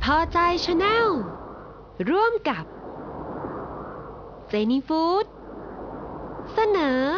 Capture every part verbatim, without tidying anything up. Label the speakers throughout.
Speaker 1: อใจชาแนลร่วมกับเจนี่ฟู้ดเสนอ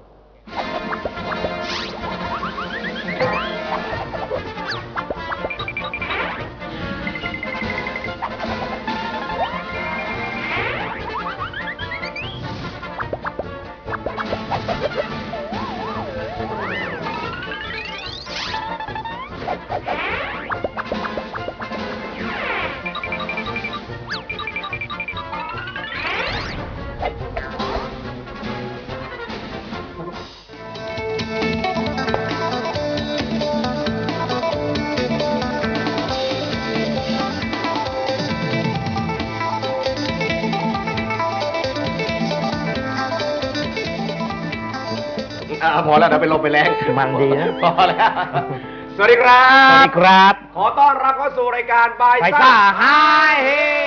Speaker 2: พอแล้วเดี๋ยวไปลมไปแรง
Speaker 3: มันดีนะ
Speaker 2: พอแล้วสวัสดีครับ
Speaker 3: สวัสดีครับ
Speaker 2: ขอต้อนรับเข้าสู่รายการบายซ่าไฮเฮ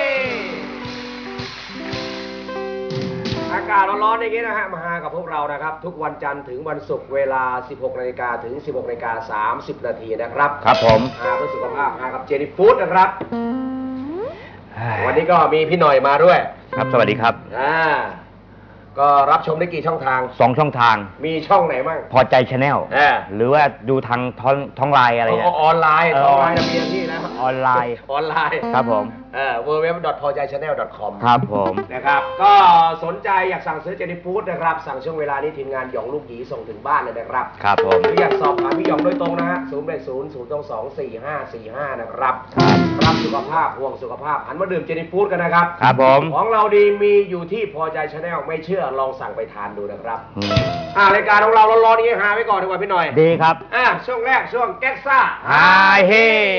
Speaker 2: อากาศร้อนๆอย่างนี้นะฮะมาหากับพวกเรานะครับทุกวันจันทร์ถึงวันศุกร์เวลา สิบหกนาฬิกา ถึง สิบหกนาฬิกาสามสิบนาทีนะครับ
Speaker 3: ครับผม
Speaker 2: หาเพื่อสุขภาพหากับเจนี่ฟู้ดนะครับวันนี้ก็มีพี่หน่อยมาด้วย
Speaker 3: ครับสวัสดีครับ
Speaker 2: อ่าก็รับชมได้กี่ช่องทาง
Speaker 3: สองช่องทาง
Speaker 2: มีช่องไหนบ้าง
Speaker 3: พอใจชาแนลหรือว่าดูทางท้องท้องไลน์อะไรเนี่ย
Speaker 2: ออนไลน์ออนไลน์จะมีที่แล้ว
Speaker 3: ออนไลน์
Speaker 2: ออนไลน์
Speaker 3: ครับผม
Speaker 2: เอ่อ ดับเบิลยู ดับเบิลยู ดับเบิลยู ดอท พอใจชาแนล ดอท คอม
Speaker 3: ครับผม
Speaker 2: นะครับก็สนใจอยากสั่งซื้อเจนี่ฟู้ดนะครับสั่งช่วงเวลานี้ทีมงานหยองลูกหยีส่งถึงบ้านเลยนะครับ
Speaker 3: ครับผม
Speaker 2: หรืออยากสอบถามพี่หยองโดยตรงนะฮะศูนย์แปดศูนย์ ศูนย์ สอง สี่ ห้า สี่ ห้านะครับรับสุขภาพห่วงสุขภาพหันมาดื่มเจนี่ฟู้ดกันนะครับ
Speaker 3: ครับผม
Speaker 2: ของเราดีมีอยู่ที่พอใจชาแนลไม่เชื่อลองสั่งไปทานดูนะครับอ่ารายการของเราร้อนๆนี้หาไว้ก่อนดีกว่าพี่หน่อย
Speaker 3: ดีครับ
Speaker 2: อ่าช่วงแรกช่วงแก๊กซ่า
Speaker 3: ไฮเฮ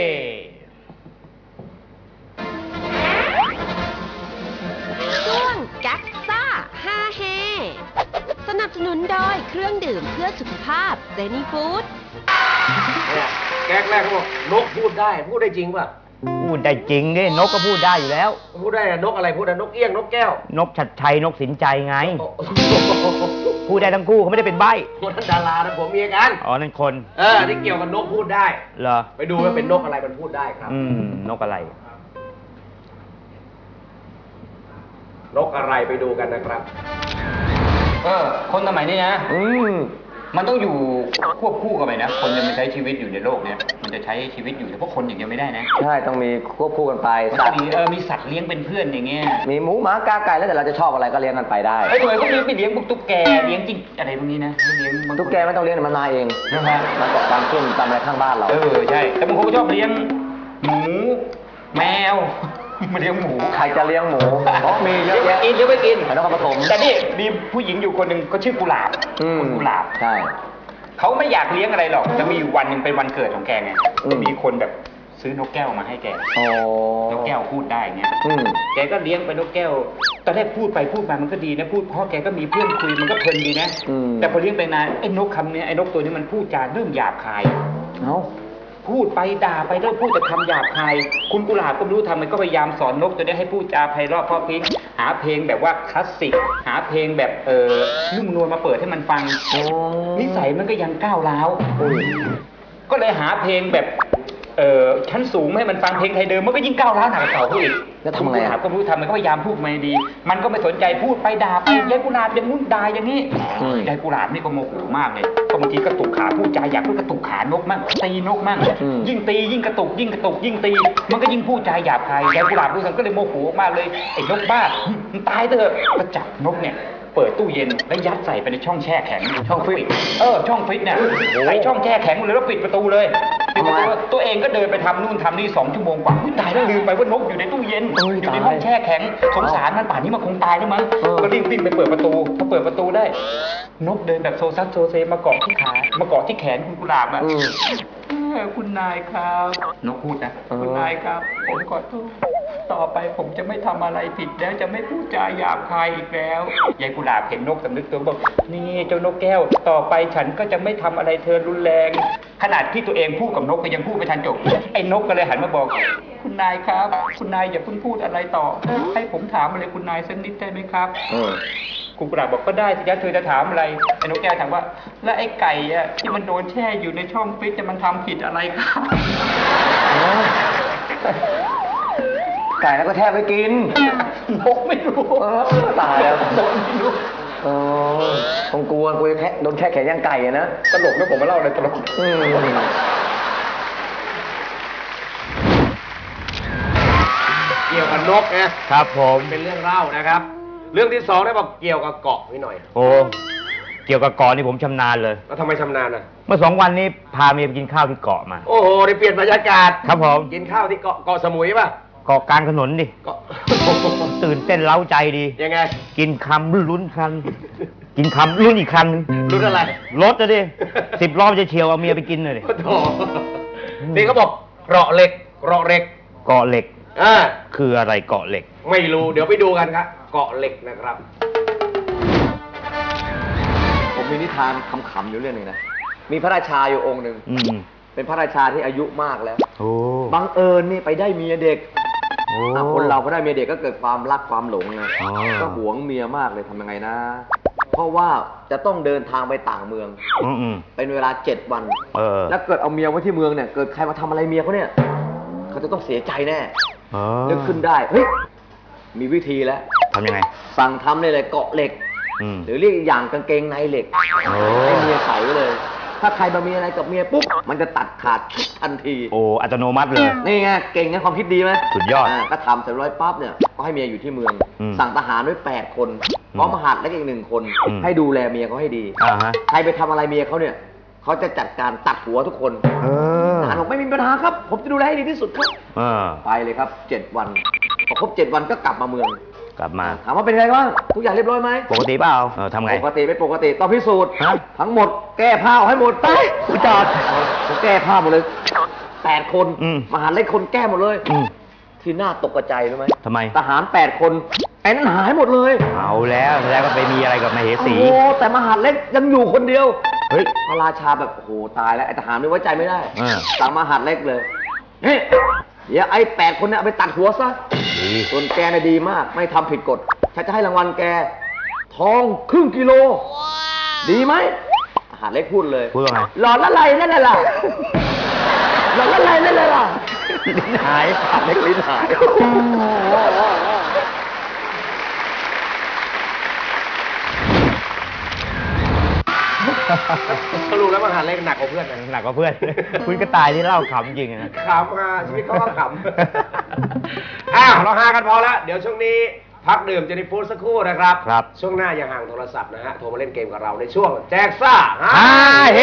Speaker 1: ช่วงแก๊กซ่าฮาเฮสนับสนุนโดยเครื่องดื่มเพื่อสุขภาพเจนี่ฟู้ด
Speaker 2: เนี่ยแก๊กแรกเขาบอกนกพูดได้พูดได้จริงป่ะ
Speaker 3: พูดได้จริงดินกก็พูดได้อยู่แล้ว
Speaker 2: พูดได้นกอะไรพูดได้นกเอี้ยงนกแก้วน
Speaker 3: กฉัตรชัยนกสินใจไงพูดได้ทั้งคู่เขาไม่ได้เป็นใบ้
Speaker 2: คนนั้นดารานะผมมีกัน
Speaker 3: อ๋อนั่นคน
Speaker 2: เออที่เกี่ยวกับนกพูดได้
Speaker 3: เหรอ
Speaker 2: ไปดูว่าเป็นนกอะไรมันพูดได้ครับ
Speaker 3: อืมนกอะไร
Speaker 2: นกอะไรไปดูกันนะครับ
Speaker 4: เออคนสมัยนี้นะอืมมันต้องอยู่ควบคู่กันไปนะคนจะมาใช้ชีวิตอยู่ในโลกเนี้ยมันจะใช้ชีวิตอยู่แต่พวกคนอย่างเดียวไม่ได้นะ
Speaker 5: ใช่ต้องมีควบคู่กันไป
Speaker 4: สัตว์เออมีสัตว์เลี้ยงเป็นเพื่อนอย่างเงี้ย
Speaker 5: มีหมูหมากาไก่แล้วแต่เราจะชอบอะไรก็เลี้ยงกันไปได้
Speaker 4: ไอ้ตัวก็มีไปเลี้ยงพวกตุ๊กแกเลี้ยงจริงอะไรพวกนี้นะเลี้ยง
Speaker 5: ตุ๊กแกไม่ต้องเลี้ยงมันมาเองนะฮะมันเกาะตามขึ้นตามอะไรข้างบ้านเรา
Speaker 4: เออใช่แต่บางคนก็ชอบเลี้ยงหมูแมวมาเลี้ยงหมู
Speaker 5: ใครจะเลี้ยงหมูอ๋อมีเยอะแยะ
Speaker 4: กินเยอะไม่กิน
Speaker 5: ไม่ต้องผสม
Speaker 4: แต่นี่มีผู้หญิงอยู่คนหนึ่งก็ชื่อกุหลาบ
Speaker 5: คุณ
Speaker 4: กุหลาบ
Speaker 5: ใช่
Speaker 4: เขาไม่อยากเลี้ยงอะไรหรอกจะมีอยู่วันหนึ่งเป็นวันเกิดของแกไงมีคนแบบซื้อนกแก้วมาให้แกนกแก้วพูดได้เงี้ยแกก็เลี้ยงไปนกแก้วตอนแรกพูดไปพูดมามันก็ดีนะพูดเพราะแกก็มีเพื่อนคุยมันก็เพลินดีนะแต่พอเลี้ยงไปนานไอ้นกคำนี้ไอ้นกตัวนี้มันพูดจาเริ่มหยาบคาย
Speaker 5: เอ้า
Speaker 4: พูดไปด่าไปเริ่มพูดแต่คำหยาบคายคุณกุหลาบก็ไม่รู้ทำมันก็พยายามสอนนกตัวนี้ให้พูดจาไพเราะเพราะพริ้งหาเพลงแบบว่าคลาสสิกหาเพลงแบบเออนุ่มนวลมาเปิดให้มันฟังนิสัยมันก็ยังก้าวร้าวก็เลยหาเพลงแบบเออชั้นสูงให้มันฟังเพลงไทยเดิมมันก็ยิ่งก้าวร้าวหนักกว่าเก่าเขาอีก
Speaker 5: แล้วทำไง
Speaker 4: ก็ไม่รู้ทำมันก็พยายามพูดมาดีมันก็ไม่สนใจพูดไปด่าไปยายกุหลาบอย่างนู้นด่าอย่างนี้ยายกุหลาบนี่ก็โมโหมากเลยก็บางทีกระตุกขาพูดจาอยากพูดกระตุกขานกมั่งตีนกมั่งยิ่งตียิ่งกระตุกยิ่งกระตุกยิ่งตีมันก็ยิ่งพูดจาหยาบคายยายกุหลาบดูสันก็เลยโมโหมากเลยไอ้นกบ้ามันตายเถอะก็จับนกเนี่ยเปิดตู้เย็นแล้วยัดใส่ไปในช่องแช่แข็งช่องฟรีซเออช่องฟรีซเนี่ยใส่ช่องแช่แข็งเลยแล้วปิดประตูเลยปิดประตูตัวเองก็เดินไปทำนู่นทำนี่สองชั่วโมงกว่าตายแล้วลืมไปว่านกอยู่ในตู้เย็นอยู่ในห้องแช่แข็งสงสารมันป่านนี้มันคงตายแล้วมั้งก็รีบวิ่งไปเปิดประตูพอเปิดประตูได้นกเดินแบบโซซัสโซเซมาเกาะที่ขามาเกาะที่แขนคุณกุหลาบอ่ะคุณนายครับนกพูดนะคุณนายครับผมขอโทษต่อไปผมจะไม่ทำอะไรผิดแล้วจะไม่พูดจาหยาบคายอีกแล้วยายกุหลาบเห็นนกสำนึกตัวบอกนี่เจ้านกแก้วต่อไปฉันก็จะไม่ทำอะไรเธอรุนแรงขนาดที่ตัวเองพูดกับนกก็ยังพูดไม่ทันจบไอ้นกก็เลยหันมาบอกคุณนายครับคุณนายอย่าเพิ่งพูดอะไรต่อให้ผมถามอะไรคุณนายสักนิดได้ไหมครับคุณกุหลาบบอกก็ได้สิจ๊ะเธอจะถามอะไรไอ้นกแก้วถามว่าแล้วไอ้ไก่อะที่มันโดนแช่อยู่ในช่องฟรีซจะมันทำผิดอะไรครับ
Speaker 5: ไก่แล้วก็แทบไม่กิน
Speaker 4: นกไม่รู้
Speaker 5: เออตายแล้ว
Speaker 4: นกไม่รู้
Speaker 5: เออคงกลัวกลัวจะแทะโดนแค่แขนย่างไก่อะนะ
Speaker 4: ตลกนะผมมาเล่าเลยตลก
Speaker 5: อืม
Speaker 2: เกี่ยวกับนกนะครับ
Speaker 3: ผม
Speaker 2: เป็นเรื่องเล่านะครับ เรื่องที่สองได้บอกเกี่ยวกับเกาะนิดหน่อย
Speaker 3: โอ้เกี่ยวกับเกาะนี่ผมชำนาญเลย
Speaker 2: แล้วทำไมชำนาญอ่ะ
Speaker 3: เมื่อสองวันนี้พาเมียไปกินข้าวที่เกาะมา
Speaker 2: โอ้โหได้เปลี่ยนบรรยากาศ
Speaker 3: ครับผม
Speaker 2: กินข้าวที่เกาะเกาะสมุยป่ะ
Speaker 3: เกาะกลางถนนดิ
Speaker 2: เกาะ
Speaker 3: ตื่นเต้นเล้าใจดี
Speaker 2: ยังไง
Speaker 3: กินคำลุ้นคัน กินคำลุ้นอีกคัน
Speaker 2: รุ่นอะไร
Speaker 3: รถจะดิสิบรอบจะเฉียวเอาเมียไปกินเลยดิ
Speaker 2: โอ้โหนี่เขาบอกเกราะเหล็กเกราะเหล็ก
Speaker 3: เกาะเหล็ก
Speaker 2: อ่า
Speaker 3: คืออะไรเกาะเหล็ก
Speaker 2: ไม่รู้เดี๋ยวไปดูกันครับเกาะเหล็กนะครับ
Speaker 5: ผมมีนิทานขำๆอยู่เรื่องหนึงนะ มีพระราชาอยู่องค์หนึ่ง
Speaker 3: อืม
Speaker 5: เป็นพระราชาที่อายุมากแล้ว
Speaker 3: โอ้
Speaker 5: บังเอิญนี่ไปได้เมียเด็ก
Speaker 3: โอ้
Speaker 5: อ่ะคนเราพอได้เมียเด็กก็เกิดความรักความหลงไง
Speaker 3: อ๋อ
Speaker 5: ก็หวงเมียมากเลยทำยังไงนะ เพราะว่าจะต้องเดินทางไปต่างเมือง
Speaker 3: อืมอืม
Speaker 5: เป็นเวลาเจ็ดวัน
Speaker 3: เออ
Speaker 5: แล้วเกิดเอาเมียไว้ที่เมืองเนี่ย เกิดใครมาทำอะไรเมียเขาเนี่ย เขาจะต้องเสียใจแน่
Speaker 3: เออ
Speaker 5: นึกขึ้นได้ เฮ้ย มีวิธีแล้ว
Speaker 3: ทำยังไง
Speaker 5: สั่งทำเลยเลยเกาะเหล็ก
Speaker 3: อืม
Speaker 5: หรือเรียกอีกอย่างกางเกงในเหล็ก
Speaker 3: โอ้
Speaker 5: ให้เมียใส่ไว้เลย ถ้าใครมามีอะไรกับเมียปุ๊บ มันจะตัดขาดทันที
Speaker 3: โอ้อัตโนมัติเลย
Speaker 5: นี่ไง เก่งนะความคิดดีไหม
Speaker 3: สุดยอด
Speaker 5: าก็ทำเสร็จร้อยปั๊บเนี่ย ก็ให้เมียอยู่ที่เมือง
Speaker 3: อืม
Speaker 5: สั่งทหารไว้แปดคนพร้อมมหาดและอีกหนึ่งคน
Speaker 3: อืม
Speaker 5: ให้ดูแลเมียเขาให้ดี
Speaker 3: อ่าฮะ
Speaker 5: ใครไปทำอะไรเมียเขาเนี่ย เขาจะจัดการตัดหัวทุกคน
Speaker 3: เออ
Speaker 5: ทหารบอกไม่มีปัญหาครับ ผมจะดูแลให้ดีที่สุดครับ
Speaker 3: เออ
Speaker 5: ไปเลยครับเจ็ดวัน พอครบเจ็ดวันก็กลับมาเมือง
Speaker 3: กลับมา
Speaker 5: ถามว่าเป็นไงบ้าง ทุกอย่างเรียบร้อยไหม
Speaker 3: ปกติเปล่าเออทำไง
Speaker 5: ปกติไม่ปกติต้องพิสูจน์
Speaker 3: ฮะ
Speaker 5: ทั้งหมดแก้ผ้าออกให้หมดไปผู้จอดผมแก้ผ้าหมดเลยแปดคน
Speaker 3: อืม
Speaker 5: มหาเล็กคนแก้หมดเลย
Speaker 3: อืม
Speaker 5: ที่น่าตกใจรู้ไหม
Speaker 3: ทำไม
Speaker 5: ทหารแปดคนไอ้นั้นหายหมดเลย
Speaker 3: เอาแล้วแสดงว่าไปมีอะไรกับมเหสี
Speaker 5: โอ้โหแต่มหาเล็กยังอยู่คนเดียว
Speaker 3: เฮ้ย
Speaker 5: พระราชาแบบโอ้โหตายแล้วไอ้ทหารไม่ไว้ใจไม่ได้
Speaker 3: เออ
Speaker 5: สั่งมหาเล็กเลยนี่เดี๋ยวไอ้แปดคนเนี่ยเอาไปตัดหัวซะ
Speaker 3: ดี
Speaker 5: ส่วนแกเนี่ยดีมากไม่ทำผิดกฎฉันจะให้รางวัลแก ทองครึ่งกิโล ดีไหมทหารเล็กพูดเลย
Speaker 3: พูดว่าไง
Speaker 5: หลอดละไรนั่นแหละล่ะหลอดละไรนั่นแหละล่ะลิ้นหายทหารเล็กลิ้นหาย
Speaker 2: สรุปแล้วมหาเล็กหนักกว่าเพื่อนนะ
Speaker 3: หนักกว่าเพื่อน คุณกระต่ายที่เล่าขำจริงอะนะ
Speaker 2: ขำฮะชีวิตเขาก็ขำ อ้าวเราฮากันพอแล้ว เดี๋ยวช่วงนี้พักดื่มเจนิฟูดสักครู่นะครับ
Speaker 3: ครับ
Speaker 2: ช่วงหน้าอย่าห่างโทรศัพท์นะฮะ โทรมาเล่นเกมกับเราในช่วงแจกซ่าฮา
Speaker 3: ฮ่าเฮ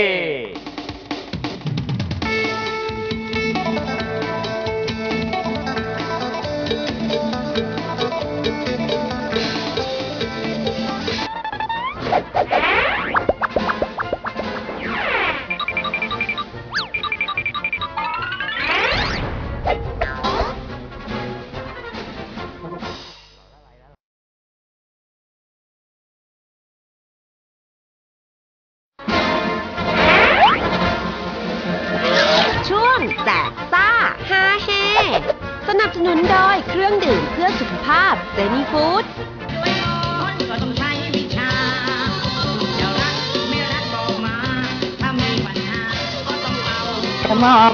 Speaker 1: ช่วงแจกซ่าฮาเฮสนับสนุนโดยเครื่องดื่มเพื่อสุขภาพเซนีฟู้ด
Speaker 6: ด้วยมนต์ก็ต้องใช้วิชาจะรักไม่รักบอกมา ถ้ามีปัญหาก็ต้องเอา
Speaker 3: กระหม่อม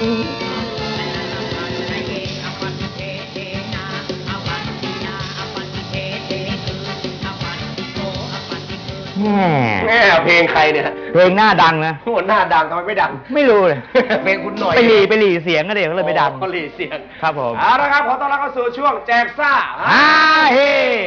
Speaker 6: ใจเองอปัติเทเทนาอปัตตินาอปัตติเทเทคืออปัตติโกอปัตติคือ
Speaker 3: แหม
Speaker 2: แม่เพลงใครเนี่ย
Speaker 3: เพลงหน้าดังนะ
Speaker 2: หัวหน้าดังทำไมไม่ดัง
Speaker 3: ไม่รู้เลย
Speaker 2: เพลงคุณหน่อย
Speaker 3: ไปหลีไปหลีเสียงก็เด็กก็เลยไม่ดัง
Speaker 2: อ๋อหลีเสียง
Speaker 3: ครับผม
Speaker 2: เอาละครับ ขอต้อนรับเข้าสู่ช่วงแจกซ่า
Speaker 3: ฮ่าเฮ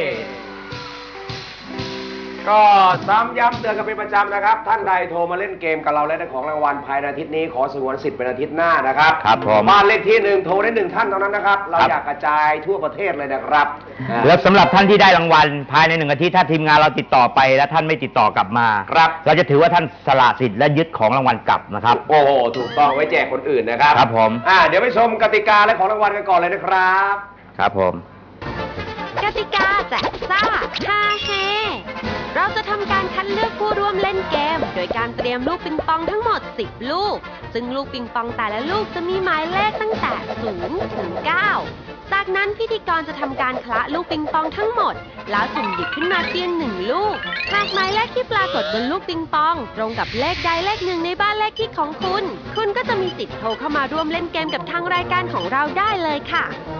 Speaker 2: ก็ซ้ำย้ำเตือนกันเป็นประจำนะครับ ท่านใดโทรมาเล่นเกมกับเราและได้ของรางวัลภายในอาทิตย์นี้ขอสงวนสิทธิ์เป็นอาทิตย์หน้านะครับ
Speaker 3: ครับผม
Speaker 2: บ้านเลขที่หนึ่งโทรได้หนึ่งท่านเท่านั้นนะครับ เรา
Speaker 3: ครับ
Speaker 2: อยากกระจายทั่วประเทศเลยนะครับอ่า
Speaker 3: แล้วสำหรับท่านที่ได้รางวัลภายในหนึ่งอาทิตย์ถ้าทีมงานเราติดต่อไปและท่านไม่ติดต่อกลับมา
Speaker 2: ครับ
Speaker 3: เราจะถือว่าท่านสละสิทธิ์และยึดของรางวัลกลับนะครับ
Speaker 2: โอ้โหถูกต้องไว้แจกคนอื่นนะครับ
Speaker 3: ครับผม
Speaker 2: อ่าเดี๋ยวไปชมกติกาและของรางวัลกันก่อนเลยนะครับ
Speaker 3: ครับผม
Speaker 1: กติกาแจกซ่าฮาเฮเราจะทำการคัดเลือกผู้ร่วมเล่นเกม โดยการเตรียมลูกปิงปองทั้งหมด สิบ ลูก ซึ่งลูกปิงปองแต่ละลูกจะมีหมายเลขตั้งแต่ ศูนย์ ถึง เก้า จากนั้นพิธีกรจะทำการคละลูกปิงปองทั้งหมด แล้วสุ่มหยิบขึ้นมาเพียงหนึ่งลูก หากหมายเลขที่ปรากฏบนลูกปิงปอง ตรงกับเลขใดเลขหนึ่งในบ้านเลขที่ของคุณ คุณก็จะมีสิทธิ์โทรเข้ามาร่วมเล่นเกมกับทางรายการของเราได้เลยค่ะ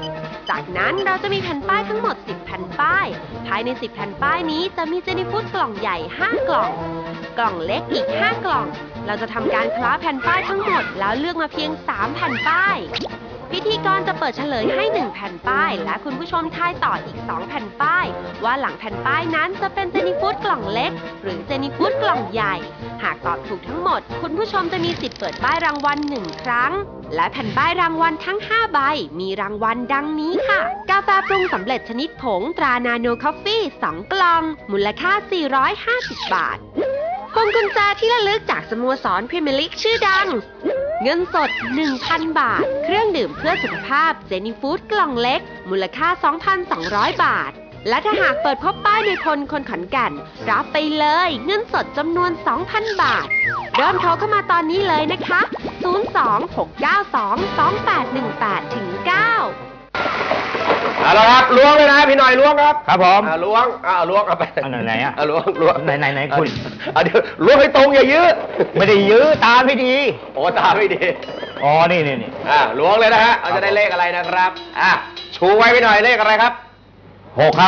Speaker 1: จากนั้นเราจะมีแผ่นป้ายทั้งหมดสิบแผ่นป้ายภายในสิบแผ่นป้ายนี้จะมีเจนี่ฟู้ดกล่องใหญ่ห้ากล่องกล่องเล็กอีกห้ากล่องเราจะทำการคล้าแผ่นป้ายทั้งหมดแล้วเลือกมาเพียงสามแผ่นป้ายพิธีกรจะเปิดเฉลยให้หนึ่งแผ่นป้ายและคุณผู้ชมทายต่ออีกสองแผ่นป้ายว่าหลังแผ่นป้ายนั้นจะเป็นเจนี่ฟู้ดกล่องเล็กหรือเจนี่ฟู้ดกล่องใหญ่หากตอบถูกทั้งหมดคุณผู้ชมจะมีสิทธิ์เปิดป้ายรางวัลหนึ่งครั้งและแผ่นป้ายรางวัลทั้งห้าใบมีรางวัลดังนี้ค่ะกาแฟปรุงสำเร็จชนิดผงตรานาโนคอฟฟี่สองกล่องมูลค่าสี่ร้อยห้าสิบบาทพวงกุญแจที่ระลึกจากสโมสรพรีเมียร์ลีกชื่อดังเงินสด หนึ่งพัน บาทเครื่องดื่มเพื่อสุขภาพเจนี่ฟู้ดกล่องเล็กมูลค่า สองพันสองร้อย บาทและถ้าหากเปิดพบป้ายในพลคนขอนแก่นรับไปเลยเงินสดจำนวน สองพัน บาทเริ่มโทรเข้ามาตอนนี้เลยนะคะ ศูนย์ สอง หก เก้า สอง สอง แปด หนึ่ง แปด เก้า
Speaker 2: เอาละครับล้วงเลยนะพี่หน่อยล้วงครับ
Speaker 3: ครับผม
Speaker 2: อ่าล้วงอ่าล้วงเอาไป
Speaker 3: อันไหนๆอ่ะ
Speaker 2: อ่าล้วงล้วง
Speaker 3: ไหนไหนไหนคุณ
Speaker 2: อ่าเดี๋ยวล้วงให้ตรงอย่ายื้อ
Speaker 3: ไม่ได้ยื้อตาไม่ดี
Speaker 2: โอ้ตาไม่ดี
Speaker 3: อ๋อนี่นี่นี่
Speaker 2: อ่าล้วงเลยนะฮะเราจะได้เลขอะไรนะครับอ่ะชูไว้พี่หน่อยเลขอะไรครับ
Speaker 3: หกครับ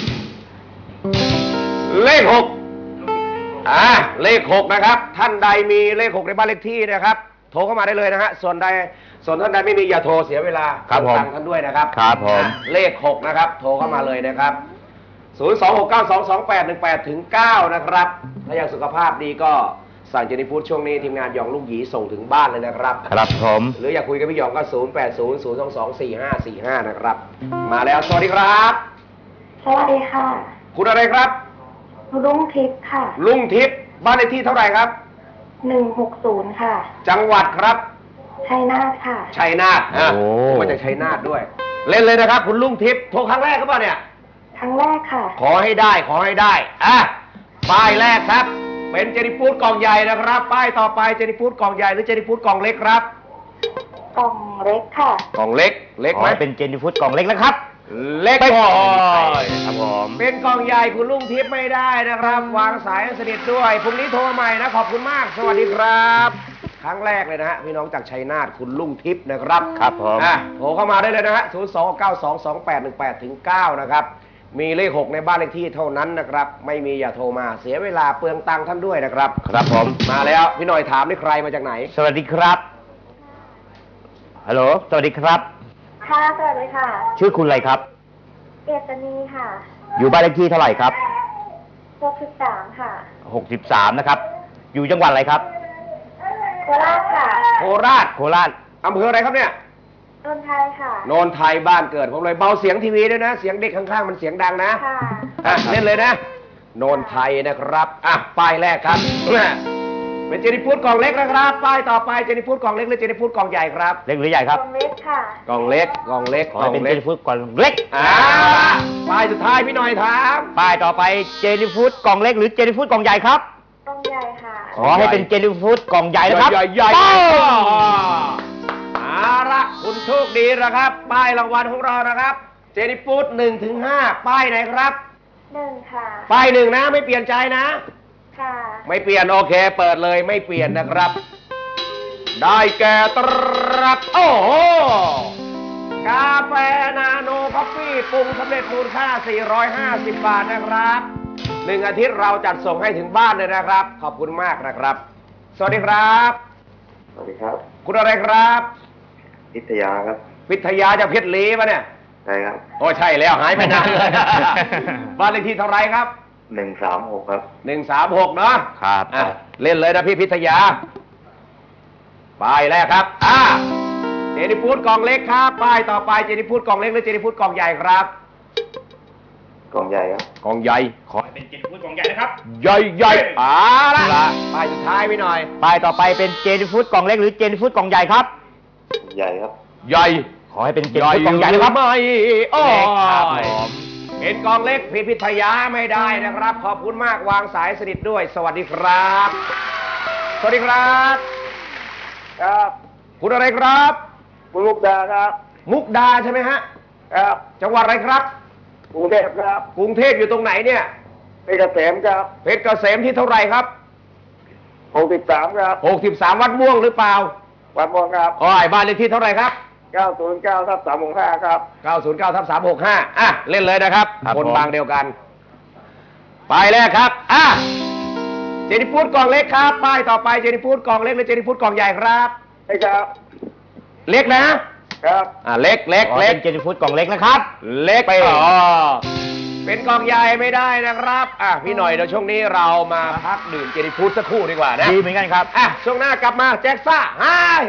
Speaker 2: เลขหกอ่าเลขหกนะครับ ท่านใดมีเลขหกในบ้านเลขที่นะครับ โทรเข้ามาได้เลยนะฮะ ส่วนใด ส่วนท่านใดไม่มีอย่าโทรเสียเวลา
Speaker 3: ครับผม
Speaker 2: ตังค์ท่านด้วยนะครับ
Speaker 3: ครับผม
Speaker 2: อ่ะเลขหกนะครับ โทรเข้ามาเลยนะครับ ศูนย์ สอง หก เก้า สอง สอง แปด หนึ่ง แปด ถึง เก้า นะครับ ถ้าอยากสุขภาพดีก็สั่งเจนี่ฟู้ดช่วงนี้ทีมงานหยองลูกหยีส่งถึงบ้านเลยนะครับ
Speaker 3: ครับผม
Speaker 2: หรืออยากคุยกับพี่หยองก็ ศูนย์ แปด ศูนย์ ศูนย์ สอง สอง สี่ ห้า สี่ ห้า นะครับ มาแล้วสวัสดีครับ
Speaker 7: สวัสดีค่ะ
Speaker 2: คุณอะไรครับ
Speaker 7: รุ่งทิพย์ค่ะ
Speaker 2: ลุงทิพย์บ้านเลขที่เท่าไหร่ครับ
Speaker 7: หนึ่งหกศูนย์ค่ะ
Speaker 2: จังหวัดครับ
Speaker 7: ชัยนาทค่ะ
Speaker 2: ชัยนาทอ่ะ
Speaker 3: โอ้
Speaker 2: มาจากชัยนาทด้วย เล่นเลยนะครับ คุณลุงทิพย์โทรครั้งแรกก็เปล่าเนี่ย
Speaker 7: ครั้งแรกค่ะ
Speaker 2: ขอให้ได้ขอให้ได้อ่ะป้ายแรกครับ เป็นเจนี่ฟู้ดกล่องใหญ่นะครับ ป้ายต่อไปเจนี่ฟู้ดกล่องใหญ่หรือเจนี่ฟู้ดกล่องเล็กครับ
Speaker 7: กล่องเล็กค่ะ
Speaker 2: กล่องเล็กเล็ก
Speaker 3: ขอ
Speaker 2: ไหม
Speaker 3: ให้เป็นเจนี่ฟู้ดกล่องเล็กนะครับ
Speaker 2: เล็ก
Speaker 3: ไม่
Speaker 2: พอ
Speaker 3: ครับผม
Speaker 2: เป็นกล่องใหญ่คุณลุงทิพย์ไม่ได้นะครับ วางสายให้สนิทด้วยพรุ่งนี้โทรใหม่นะขอบคุณมาก สวัสดีครับ ครั้งแรกเลยนะฮะพี่น้องจากชัยนาทคุณลุงทิพย์นะครับ
Speaker 3: ครับผม
Speaker 2: อ่ะโทรเข้ามาได้เลยนะฮะ ศูนย์ สอง เก้า สอง สอง แปด หนึ่ง แปด ถึง เก้า นะครับ มีเลขหกในบ้านเลขที่เท่านั้นนะครับ ไม่มีอย่าโทรมาเสียเวลาเปลืองตังค์ท่านด้วยนะครับ
Speaker 3: ครับผม
Speaker 2: มาแล้วพี่หน่อยถามนี่ใครมาจากไหน
Speaker 3: สวัสดีครับฮัลโหลสวัสดีครับ
Speaker 7: ค่ะ สวัสดีค่ะ
Speaker 3: ชื่อคุณอะไรครับ
Speaker 7: เอตนีค่ะ
Speaker 3: อยู่บ้านเลขที่เท่าไหร่ครับ
Speaker 7: หกสิบสามค่ะ
Speaker 3: หกสิบสามนะครับ อยู่จังหวัดอะไรครับ
Speaker 7: โคราชค่ะ
Speaker 2: โคราช
Speaker 3: โคราช
Speaker 2: อำเภออะไรครับเนี่ย
Speaker 7: นนทไทยค่ะ
Speaker 2: โนนไทยบ้านเกิดผมเลยเบาเสียงทีวีด้วยนะ เสียงเด็กข้างๆมันเสียงดังนะ
Speaker 7: ค่ะ
Speaker 2: อ่ะเล่นเลยนะ โนนไทยนะครับอ่ะป้ายแรกครับเป็นเจนี่ฟู้ดกล่องเล็กนะครับ ป้ายต่อไปเจนี่ฟู้ดกล่องเล็กหรือเจนี่ฟู้ดกล่องใหญ่ครับ
Speaker 3: เล็กหรือใหญ่
Speaker 7: ก
Speaker 3: ครั
Speaker 7: ล่
Speaker 3: บ
Speaker 7: องเล็กค่ะ
Speaker 2: กล่องเล็กกล่องเล็ก
Speaker 3: ขอก ให้
Speaker 2: ล่อง
Speaker 3: เป็นเจ
Speaker 2: เล็ก
Speaker 3: นี่ฟู้ดกล่องเล็ก
Speaker 2: อ่าป้ายสุดท้ายพี่หน่อยถาม
Speaker 3: ป้ายต่อไปเจนี่ฟู้ดกล่องเล็กหรือเจนี่ฟู้ดกล่องใหญ่ครับ
Speaker 7: กล่องใหญ่ค่ะ
Speaker 3: ขอให้เป็นเจนี่ฟู้ดกล่องใหญ่นะครับ
Speaker 2: ใหญ่ใหญ่
Speaker 3: ป้า
Speaker 2: เอาละคุณโชคดีนะครับ ป้ายรางวัลของเรานะครับ เจนี่ฟู้ดหนึ่งถึงห้าป้ายไหนครับ
Speaker 7: หนึ่งค่ะ
Speaker 2: ป้ายหนึ่งนะไม่เปลี่ยนใจนะ
Speaker 7: ค่ะ
Speaker 2: ไม่เปลี่ยนโอเค เปิดเลยไม่เปลี่ยนนะครับ ได้แก่ตรับโอ้โหกาแฟนาโนคอฟฟี่ปรุงสำเร็จมูลค่า สี่ร้อยห้าสิบ บาทนะครับหนึ่งอาทิตย์เราจัดส่งให้ถึงบ้านเลยนะครับ ขอบคุณมากนะครับ สวัสดีครับ
Speaker 8: สวัสดีครับ
Speaker 2: คุณอะไรครับ
Speaker 8: พิทยาครับ
Speaker 2: วิทยาจากเพชรลีปะเนี่ย
Speaker 8: ใช่ครับ
Speaker 2: โอ้ใช่แล้วหายไปนานเลย บ้านเลขที่เท่าไหรครับ
Speaker 8: หนึ่งสามหกครับ
Speaker 2: หนึ่งสามหกเนาะ
Speaker 3: ครับ
Speaker 2: อ่ะเล่นเลยนะพี่พิทยาป้ายแรกครับอ่าเจนี่ฟู้ดกล่องเล็กครับป้ายต่อไปเจนี่ฟู้ดกล่องเล็กหรือเจนี่ฟู้ดกล่องใหญ่ครับ
Speaker 8: กล่องใหญ่ครับ
Speaker 2: กล่องใหญ่
Speaker 3: ขอให้เป็นเจนี่ฟู้ดกล่องใหญ่นะครับ
Speaker 2: ใหญ่ใหญ่อ่าละป้ายสุดท้ายพี่หน่อย
Speaker 3: ป้ายต่อไปเป็นเจนี่ฟู้ดกล่องเล็กหรือเจนี่ฟู้ดกล่องใหญ่ครับ
Speaker 8: ใหญ่ครับ
Speaker 2: ใหญ่
Speaker 3: ขอให้เป็นเจนี่ฟู้ดกล่องใหญ่นะครับ
Speaker 2: ไม่โอ้
Speaker 3: เล็กครับ
Speaker 2: ย
Speaker 3: ผม
Speaker 2: เป็นกล่องเล็กพี่พิทยาไม่ได้นะครับ ขอบคุณมากวางสายสนิทด้วย สวัสดีครับ สวัสดีครับครับ คุณอะไรครับ
Speaker 8: คุณลูกดาครับ
Speaker 2: มุกดาใช่ไหมฮะ
Speaker 8: ครับ
Speaker 2: จังหวัดอะไรครับ
Speaker 8: กรุงเทพครับ
Speaker 2: กรุงเทพอยู่ตรงไหนเนี่ย
Speaker 8: เพชรเกษมครับ
Speaker 2: เพชรเกษมที่เท่าไหร่ครับ
Speaker 8: หกสิบสามครับ
Speaker 2: หกสิบสามวัดม่วงหรือเปล่า
Speaker 8: วัดม่วงครับ
Speaker 2: อ๋อไอ้บ้านเลขที่เท่าไหร่ครับ
Speaker 8: เก้าศูนย์เก้าทับสามหกห้าครับ
Speaker 2: เก้าศูนย์เก้าทับสามหกห้าอ่ะ เล่นเลยนะครับ
Speaker 3: ครับ
Speaker 2: คน
Speaker 3: ผม
Speaker 2: บางเดียวกัน ป้ายแรกครับ อ่ะ เจนิฟูดกล่องเล็กครับ ป้ายต่อไปเจนิฟูดกล่องเล็กหรือเจนิฟูดกล่องใหญ่ครับ
Speaker 8: ใช่ครับ
Speaker 2: เล็กนะ
Speaker 8: ครับ
Speaker 2: อ่ะ เล็กเล็ก
Speaker 3: อ๋อ
Speaker 2: เล็ก
Speaker 3: เป็นเจนิฟูดกล่องเล็กนะครับ
Speaker 2: เล็ก
Speaker 3: ไป
Speaker 2: อ๋อเป็นกล่องใหญ่ไม่ได้นะครับ อ่ะ พี่หน่อยเดี๋ยวช่วงนี้เรามาพักดื่มเจนิฟูดสักครู่ดีกว่านะ
Speaker 3: ดีเหมือนกันครับ
Speaker 2: อ่ะ ช่วงหน้ากลับมาแจ็คซ่าฮ่าเฮ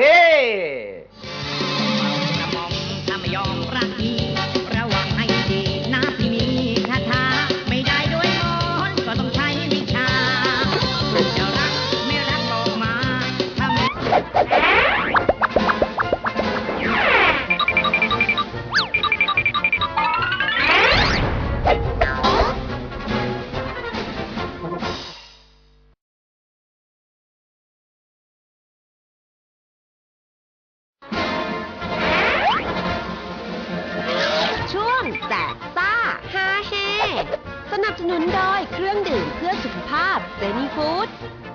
Speaker 6: กระหม่อมถ้าไม่ยอมรักอีระวังให้ดีนะพี่มีคาถาไม่ได้ด้วยมนต์ก็ต้องใช้วิชาจะรักไม่รักบอกมาถ้าไม่
Speaker 1: ช่วงแจกซ่าฮาเฮสนับสนุนโดยเครื่องดื่มเพื่อสุขภาพเซนีฟู้ด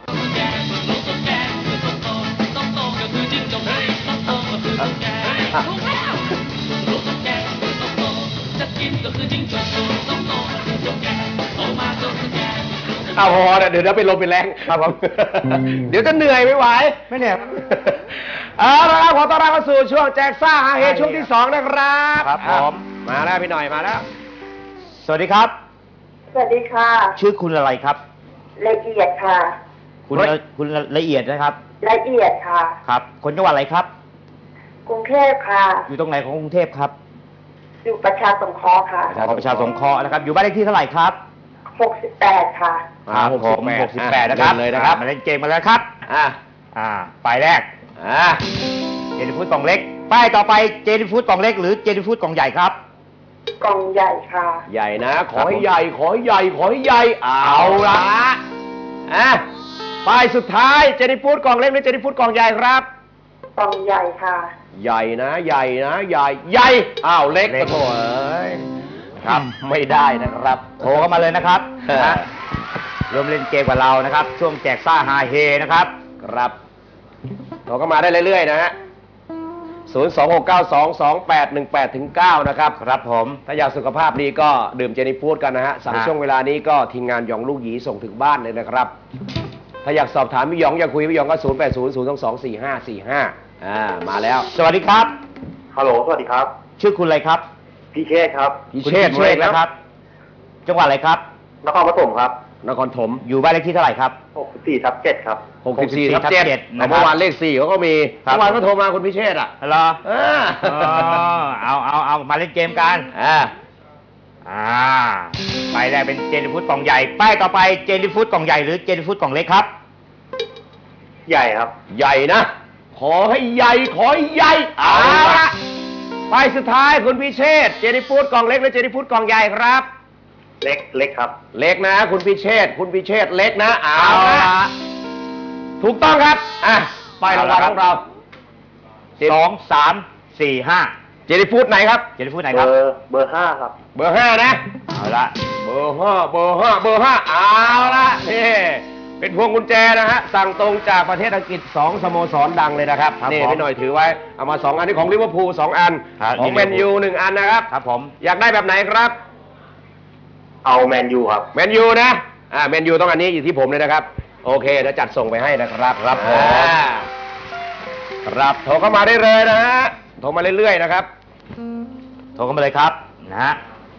Speaker 2: เอาพอนะเดี๋ยวเดี๋ยวไปลมไปแรง
Speaker 3: ครับผม
Speaker 2: เดี๋ยวจะเหนื่อยไม่ไหว
Speaker 3: ไม่เนี่ย
Speaker 2: เอาละครับขอต้อนรับเข้าสู่ช่วงแจกซ่าฮาเฮช่วงที่สองนะครับ
Speaker 3: ครับผม
Speaker 2: อ่ะมาแล้วพี่หน่อยมาแล้ว
Speaker 3: สวัสดีครับ
Speaker 7: สวัสดีค่ะ
Speaker 3: ชื่อคุณอะไรครับ
Speaker 7: ละเอียดค่ะ
Speaker 3: คุณละคุณละเอียดนะครับ
Speaker 7: ละเอียดค่ะ
Speaker 3: ครับ คนจังหวัดอะไรครับ
Speaker 7: กรุงเทพค่ะ
Speaker 3: อยู่ตรงไหนของกรุงเทพครับ
Speaker 7: อยู่ประชาสงเคราะห์ค่ะ
Speaker 3: ของประชาสงเคราะห์นะครับ อยู่บ้านเลขที่เท่าไหร่ครับ
Speaker 7: หกสิบแปดค่ะ
Speaker 3: ครับผมหกสิบแปดนะครับ
Speaker 2: เล่นเลยนะครับ
Speaker 3: มาเล่นเกมมาแล้วครับ
Speaker 2: อ่ะ
Speaker 3: อ่าป้ายแรก
Speaker 2: อ่ะ
Speaker 3: เจนิฟูดกล่องเล็ก ป้ายต่อไปเจนิฟูดกล่องเล็กหรือเจนิฟูดกล่องใหญ่ครับ
Speaker 7: กล่องใหญ่ค่ะ
Speaker 2: ใหญ่นะ ขอให้ใหญ่ ขอให้ใหญ่ ขอให้ใหญ่ เอาละอ่ะป้ายสุดท้ายเจนิฟูดกล่องเล็กหรือเจนิฟูดกล่องใหญ่ครับ
Speaker 7: กล่องใหญ่ค่ะ
Speaker 2: ใหญ่นะ ใหญ่นะ ใหญ่ ใหญ่ อ้าวเล็ก
Speaker 3: เล็ก
Speaker 2: โถ่เอ้ยครับไม่ได้นะครับ
Speaker 3: โทรเข้ามาเลยนะครับ
Speaker 2: เออ
Speaker 3: นะร่วมเล่นเกมกับเรานะครับ ช่วงแจกซ่าฮาเฮนะครับ
Speaker 2: ครับโทรเข้ามาได้เรื่อยๆนะฮะศูนย์ สอง หก เก้า สอง สอง แปด หนึ่ง แปด ถึง เก้า นะครับ
Speaker 3: ครับผม
Speaker 2: ถ้าอยากสุขภาพดีก็ดื่มเจนิฟูดกันนะฮะ สั่ง
Speaker 3: ฮะ
Speaker 2: ช่วงเวลานี้ก็ทีมงานหยองลูกหยีส่งถึงบ้านเลยนะครับ ถ้าอยากสอบถามพี่หยองอยากคุยพี่หยองก็ ศูนย์ แปด ศูนย์ ศูนย์ สอง สอง สี่ ห้า สี่ ห้า อ่า มาแล้ว
Speaker 3: สวัสดีครับ
Speaker 8: ฮัลโหล สวัสดีครับ
Speaker 3: ชื่อคุณอะไรครับ
Speaker 8: พี่เชษครับ
Speaker 2: พี่
Speaker 3: คุณ
Speaker 2: เชษฐ์
Speaker 3: เชษฐ์นะครับ จังหวัดอะไรครับ
Speaker 8: นครปฐมครับ
Speaker 2: นครถม
Speaker 3: อยู่บ้านเลขที่เท่าไหร่ครับ
Speaker 8: หกสิบสี่ทับเจ็ดครับ
Speaker 2: หกสิบสี่ ทับ
Speaker 3: เจ็
Speaker 2: เจ็
Speaker 3: ด
Speaker 2: ด
Speaker 3: นะครับ
Speaker 2: เมื่อวานเลขสี่เขาก็มี
Speaker 3: ครับ
Speaker 2: เมื่อวานก็โทรมาคุณพิเชษฐ์อ่ะ
Speaker 3: ฮัลโหล
Speaker 2: เออ
Speaker 3: อ๋อเอาเอาเอามาเล่นเกมกัน
Speaker 2: อ่า
Speaker 3: อ่าป้ายแรกเป็นเจนิฟูดกล่องใหญ่ ป้ายต่อไปเจนิฟูดกล่องใหญ่หรือเจนิฟูดกล่องเล็กครับ
Speaker 8: ใหญ่ครับ
Speaker 2: ใหญ่นะ ขอให้ใหญ่ ขอให้ใหญ่ เอาละไปสุดท้ายคุณพิเชษฐ์เจนิฟูดกล่องเล็กหรือเจนิฟูดกล่องใหญ่ครับ
Speaker 8: เล็ก เล็กครับ
Speaker 2: เล็กนะ คุณพิเชษฐ์คุณพิเชษฐ์เล็กนะ เอาละถูกต้องครับ อ่ะ ไปรางวัลของเรา
Speaker 3: สองสามสี่ห้า
Speaker 2: เจนิฟูดไหนครับ
Speaker 3: เจนิฟูดไหน
Speaker 8: เบ
Speaker 3: ครับ
Speaker 8: อร์ เบอร์ห้าครับ
Speaker 2: เบอร์ห้านะ
Speaker 3: เอาละ
Speaker 2: เบอร์ห้าเบอร์ห้าเบอร์ห้าเอาละนี่เป็นพวงกุญแจนะฮะ สั่งตรงจากประเทศอังกฤษสองสโมสรดังเลยนะครับ
Speaker 3: ครับ
Speaker 2: นี่
Speaker 3: ผม
Speaker 2: พี่หน่อยถือไว้ เอามาสองอันนี้ของลิเวอร์พูลสองอัน
Speaker 3: ครับ
Speaker 2: ของ
Speaker 3: นี่
Speaker 2: แมนยูหนึ่งอันนะครับ
Speaker 3: ครับผม
Speaker 2: อยากได้แบบไหนครับ
Speaker 8: เอาแมนยูครับ
Speaker 2: แมนยูนะ อ่า แมนยูต้องอันนี้อยู่ที่ผมเลยนะครับ โอเคเดี๋ยวจัดส่งไปให้นะครับ
Speaker 3: ครับผม
Speaker 2: อ่าครับโทรเข้ามาได้เลยนะฮะ โทรมาเรื่อยๆนะครับ
Speaker 3: โทรเข้ามาเลยครับนะฮะ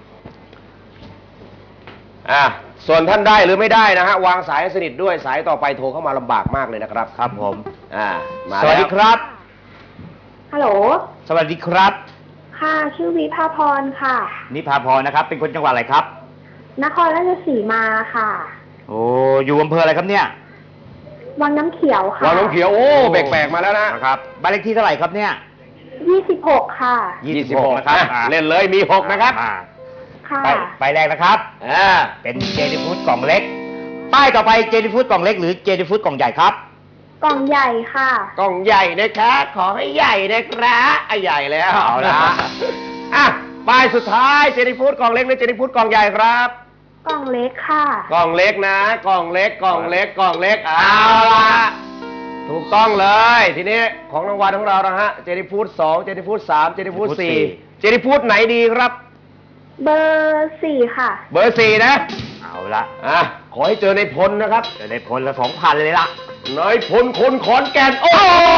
Speaker 2: อ่า ส่วนท่านได้หรือไม่ได้นะฮะ วางสายให้สนิทด้วย สายต่อไปโทรเข้ามาลำบากมากเลยนะครับ
Speaker 3: ครับผม
Speaker 2: อ่า มา
Speaker 3: สวัสดี
Speaker 2: แล้
Speaker 3: ครับ
Speaker 7: ฮัลโหล
Speaker 3: สวัสดีครับ
Speaker 7: ค่ะ ชื่อวิภาพรค่ะ
Speaker 3: นิพาพรนะครับ เป็นคนจังหวัดอะไรครับ
Speaker 7: นครราชสีมาค่ะ
Speaker 3: โอ้อยู่อำเภออะไรครับเนี่ย
Speaker 7: วังน้ำเขียวค่ะ
Speaker 2: วางน้ำเขียว โอ้แปลกๆมาแล้วนะ
Speaker 3: นะครับบ้านเลขที่เท่าไหร่ครับเนี่ย
Speaker 7: ยี่สิบหกค่ะ
Speaker 3: ยี่สิบหกนะครับ
Speaker 2: อ่ะเล่นเลยมีหกนะครับ
Speaker 3: อ่า
Speaker 7: ค่ะ
Speaker 3: ไปไปแรกนะครับ
Speaker 2: อ่า
Speaker 3: เป็นเจนิฟูดกล่องเล็ก ป้ายต่อไปเจนิฟูดกล่องเล็กหรือเจนิฟูดกล่องใหญ่ครับ
Speaker 7: กล่องใหญ่ค่ะ
Speaker 2: กล่องใหญ่นะครับ ขอให้ใหญ่นะครับอ่ะใหญ่แล้ว
Speaker 3: เอาละ
Speaker 2: อ่ะป้ายสุดท้ายเจนิฟูดกล่องเล็กหรือเจนิฟูดกล่องใหญ่ครับ
Speaker 7: กล่องเล็กค่ะ
Speaker 2: กล่องเล็กนะ กล่องเล็ก กล่องเล็ก กล่องเล็ก เอาละถูกต้องเลย ทีนี้ของรางวัลของเรานะฮะ เจนี่ฟูดสองเจนี่ฟูดสามเจนี่ฟูดสี่เจนี่ฟูดไหนดีครับ
Speaker 7: เบอร์สี่ค่ะ
Speaker 2: เบอร์สี่นะ
Speaker 3: เอาละ
Speaker 2: อ่ะ ขอให้เจอในพลนะครับ
Speaker 3: จะได้ผลละสองพันเลยละ
Speaker 2: นายพลคนขอนแก่น โอ้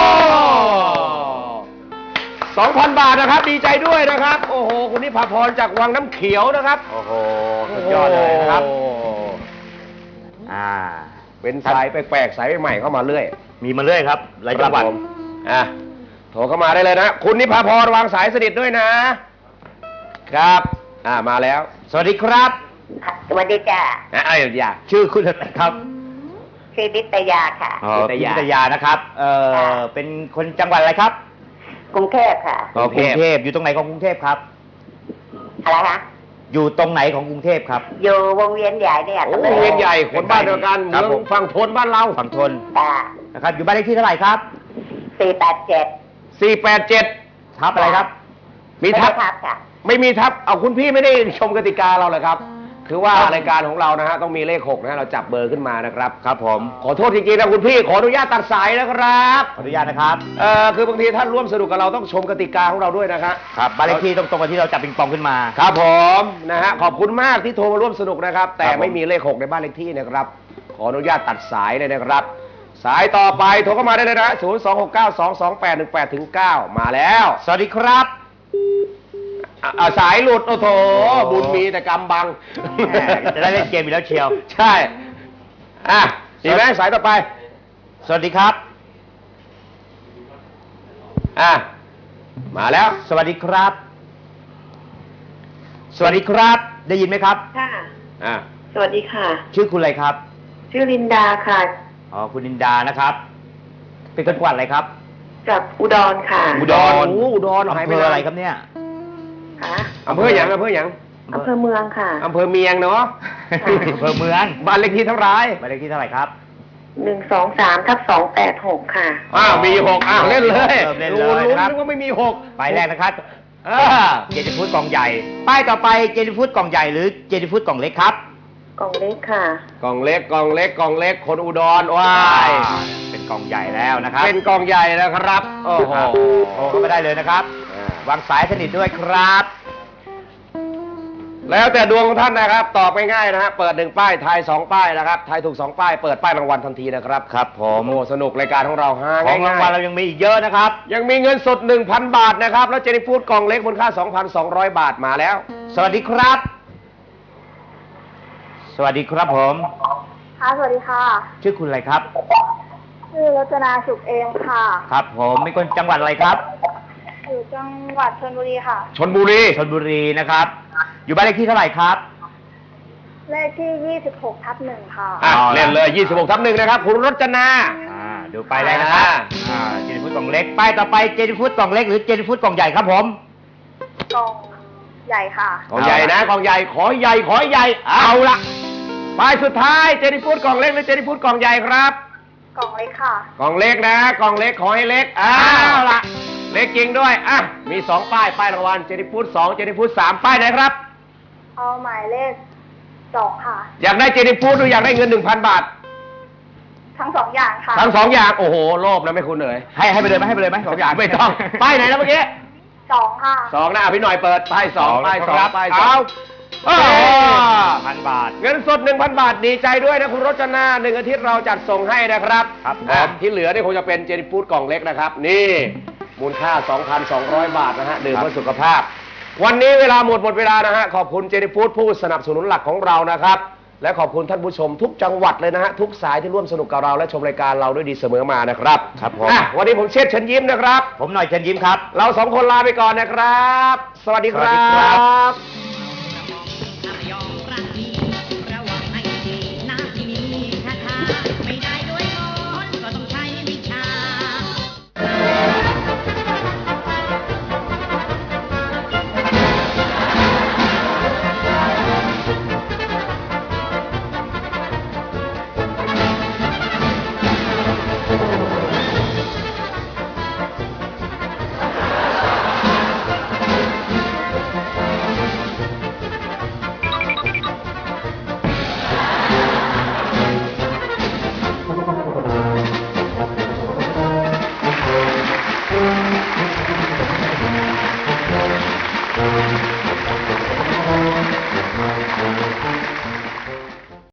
Speaker 2: สองพันบาทนะครับ ดีใจด้วยนะครับ โอ้โห คุณนิพาพรจากวังน้ำเขียวนะครับ
Speaker 3: โอ้โหสุดยอดเลยนะครับ
Speaker 2: โอ้
Speaker 3: อ่า
Speaker 2: เป็นสายแปลกๆสายใหม่ๆเข้ามาเรื่อย
Speaker 3: มีมาเรื่อยครับหลายจังหวัด
Speaker 2: ครับผมอ่ะ โทรเข้ามาได้เลยนะ คุณนิพาพรวางสายสนิทด้วยนะ ครับ อ่า มาแล้ว
Speaker 3: สวัสดีครับ
Speaker 9: สวัสดีจ้า
Speaker 2: อ่ะเอ้ยอย่า
Speaker 3: ชื่อคุณอะไรครับ
Speaker 9: ชื่อนิตยาค่ะ
Speaker 3: อ๋อ
Speaker 2: นิ
Speaker 3: พิ
Speaker 2: ตยา
Speaker 3: ทยานะครับ เอ่อ
Speaker 9: ค่ะ
Speaker 3: เป็นคนจังหวัดอะไรครับ
Speaker 9: กรุงเทพค่ะ
Speaker 3: กรุงเทพอยู่ตรงไหนของกรุงเทพครับ
Speaker 9: อะไรคะ
Speaker 3: อยู่ตรงไหนของกรุงเทพครับ
Speaker 9: อยู่วงเวียนใหญ่เนี่ย
Speaker 2: โอ้วงเวียนใหญ่คนบ้านเดียวกัน
Speaker 3: ครับ
Speaker 2: เมื
Speaker 3: ผ
Speaker 2: อง
Speaker 3: ม
Speaker 2: ฝั่งทนบ้านเรา
Speaker 3: ฝั่งทน
Speaker 9: จ้า
Speaker 3: นะครับ อยู่บ้านเลขที่เท่าไหร่ครับ
Speaker 9: สี่แปดเจ็ด
Speaker 2: สี่แปดเจ็ด
Speaker 3: ทับอะไรครับ
Speaker 2: มีทับ
Speaker 9: ทับค่ะ
Speaker 2: ไม่มีทับ เอาคุณพี่ไม่ได้ชมกติกาเราเลยครับ คือว่ารายการของเรานะฮะต้องมีเลขหกนะฮะเราจับเบอร์ขึ้นมานะครับ
Speaker 3: ครับผม
Speaker 2: ขอโทษจริงๆนะคุณพี่ขออนุญาตตัดสายนะครับ
Speaker 3: ขออนุญาตนะครับ
Speaker 2: เอ่อคือบางทีท่านร่วมสนุกกับเราต้องชมกติกาของเราด้วยนะครับ
Speaker 3: ครับบ้านเลขที่ตรงตรงกับที่เราจับปิงปองขึ้นมา
Speaker 2: ครับผมนะฮะขอบคุณมากที่โทรมาร่วมสนุกนะครับ แต่
Speaker 3: ครับผม
Speaker 2: ไม่มีเลขหกในบ้านเลขที่นะครับ ขออนุญาตตัดสายเลยนะครับ สายต่อไปโทรเข้ามาได้เลยนะศูนย์ สอง หก เก้า สอง สอง แปด หนึ่ง แปด ถึง เก้ามาแล้ว
Speaker 3: สวัสดีครับ
Speaker 2: อ่ะอ่ะสายหลุดโอ้โถบุญมีแต่กรรมบัง
Speaker 3: แหมจะได้เล่นเกมอีกแล้วเชียว
Speaker 2: ใช่อ่ะดีไหมสายต่อไป
Speaker 3: สวัสดีครับ
Speaker 2: อ่ะมาแล้ว
Speaker 3: สวัสดีครับ สวัสดีครับ ได้ยินไหมครับ
Speaker 9: ค่ะ
Speaker 2: อ่ะ
Speaker 9: สวัสดีค่ะ
Speaker 3: ชื่อคุณอะไรครับ
Speaker 9: ชื่อลินดาค่ะ
Speaker 3: อ๋อ คุณนินดานะครับ เป็นคนจังหวัดอะไรครับ
Speaker 9: จากอุดรค่ะ
Speaker 3: อุดร
Speaker 2: โอ้อุดรหาย
Speaker 3: อำ
Speaker 2: ไป
Speaker 3: เภอ
Speaker 2: ไหน
Speaker 3: อะไรครับเนี่ย
Speaker 9: ค่ะ
Speaker 2: อำเภอหยังอำเภอหยัง
Speaker 9: อำเภอเมืองค่ะ
Speaker 2: อำเภอเมียงเนาะ
Speaker 3: อำเภอเมือง
Speaker 2: บ้านเลขที่เท่าไหร
Speaker 3: บ้านเลขที่เท่าไหร่ครับ
Speaker 9: หนึ่งสองสามทับสองแปดหกค่ะ
Speaker 2: อ้าวมีหกอ้าวเล่นเลย
Speaker 3: เริ่มเล่นเลย
Speaker 2: โอ้รู้
Speaker 3: นะครับ
Speaker 2: นึกว่าไม่มีหก
Speaker 3: ไปแรกนะครับ
Speaker 2: เออ
Speaker 3: เจนิฟูดกล่องใหญ่ ป้ายต่อไปเจนิฟูดกล่องใหญ่หรือเจนิฟูดกล่องเล็กครับ
Speaker 9: กล่องเล็กค่ะ
Speaker 2: กล่องเล็กกล่องเล็กกล่องเล็กคนอุดรว้าย
Speaker 3: เป็นกล่องใหญ่แล้วนะครับ
Speaker 2: เป็นกล่องใหญ่นะครับโอ้โห
Speaker 3: ครับโทรเข้ามาได้เลยนะครับ
Speaker 2: อ่า
Speaker 3: วางสายสนิทด้วยครับ
Speaker 2: แล้วแต่ดวงของท่านนะครับ ตอบง่ายๆนะฮะเปิดหนึ่งป้ายทายสองป้ายนะครับทายถูกสองป้ายเปิดป้ายรางวัลทันทีนะครับ
Speaker 3: ครับผม
Speaker 2: โอ้สนุกรายการของเราฮะ
Speaker 3: ของรางวัลเรายังมีอีกเยอะนะครับ
Speaker 2: ยังมีเงินสด หนึ่งพัน บาทนะครับแล้วเจนี่ฟูดกล่องเล็กมูลค่า สองพันสองร้อย บาทมาแล้ว
Speaker 3: สวัสดีครับ สวัสดีครับผม
Speaker 7: ค่ะ สวัสดีค่ะ
Speaker 3: ชื่อคุณอะไรครับ
Speaker 7: ชื่อรจนาสุขเอมค่ะ
Speaker 3: ครับผมเป็นคนจังหวัดอะไรครับ
Speaker 7: อยู่จังหวัดชลบุรีค่ะ
Speaker 2: ชนบุรี
Speaker 3: ชลบุรีนะครับ อยู่บ้านเลขที่เท่าไหร่ครับ
Speaker 7: เลขที่ยี่สิบหกทับหนึ่งค่ะ
Speaker 2: อ่ะ
Speaker 3: เอาละ
Speaker 2: เล่นเลย ยี่สิบหก ทับหนึ่งนะครับ คุณรจนา
Speaker 3: อ่าดูไปแล้วนะครับ
Speaker 2: อ่า
Speaker 3: อ่าเจนิฟูดกล่องเล็ก ป้ายต่อไปเจนิฟูดกล่องเล็กหรือเจนิฟูดกล่องใหญ่ครับผม
Speaker 7: กล่องใหญ่ค่ะ
Speaker 2: กล่องใหญ่นะกล่องใหญ่ขอใหญ่ขอใหญ่เอาละป้ายสุดท้ายเจนี่ฟูดกล่องเล็กหรือเจนี่ฟูดกล่องใหญ่ครับ
Speaker 7: กล่องเล็กค่ะ
Speaker 2: กล่องเล็กนะกล่องเล็กขอให้เล็กอ้าวละเล็กจริงด้วยอ่ะมีสองป้ายป้ายรางวัลเจนี่ฟูดสองเจนี่ฟูดสามป้ายไหนครับ
Speaker 7: เอาหมายเลขสองค่ะ
Speaker 2: อยากได้เจนี่ฟูดหรืออยากได้เงินหนึ่งพันบาท
Speaker 7: ทั้งสองอย่างค่ะ
Speaker 2: ทั้งสองอย่างโอ้โหโลภนะไม่คุณเอ๋ย
Speaker 3: ให้ให้ไปเลยไหมให้ไปเลยไหมสองอย่าง
Speaker 2: ไม่ต้องป้ายไหนแล้วเมื่อกี้
Speaker 7: สองค่ะ
Speaker 2: สองนะอ่ะพี่หน่อยเปิดป้ายสองป้ายสอง
Speaker 3: ครับ
Speaker 2: ป้ายสอ
Speaker 3: เอา
Speaker 2: งโอ้โห
Speaker 3: พันบาท
Speaker 2: เงินสด หนึ่งพัน บาทดีใจด้วยนะคุณรจนาหนึ่งอาทิตย์เราจัดส่งให้นะครับ
Speaker 3: ครับผม
Speaker 2: อ่ะที่เหลือนี่คงจะเป็นเจนี่ฟูดกล่องเล็กนะครับ นี่มูลค่า สองพันสองร้อย บาทนะฮะดื่มเพื่อสุขภาพ วันนี้เวลาหมดหมดเวลานะฮะขอบคุณเจนี่ฟูดผู้สนับสนุนหลักของเรานะครับและขอบคุณท่านผู้ชมทุกจังหวัดเลยนะฮะทุกสายที่ร่วมสนุกกับเราและชมรายการเราด้วยดีเสมอมานะครับ
Speaker 3: ครับผม
Speaker 2: อ่ะวันนี้ผมเชษฐ์เชิญยิ้มนะครับ
Speaker 3: ผมหน่อยเชิญยิ้มครับ
Speaker 2: เราสองคนลาไปก่อนนะครับ สวัสดีครั
Speaker 3: สวัสดีครับ
Speaker 2: บ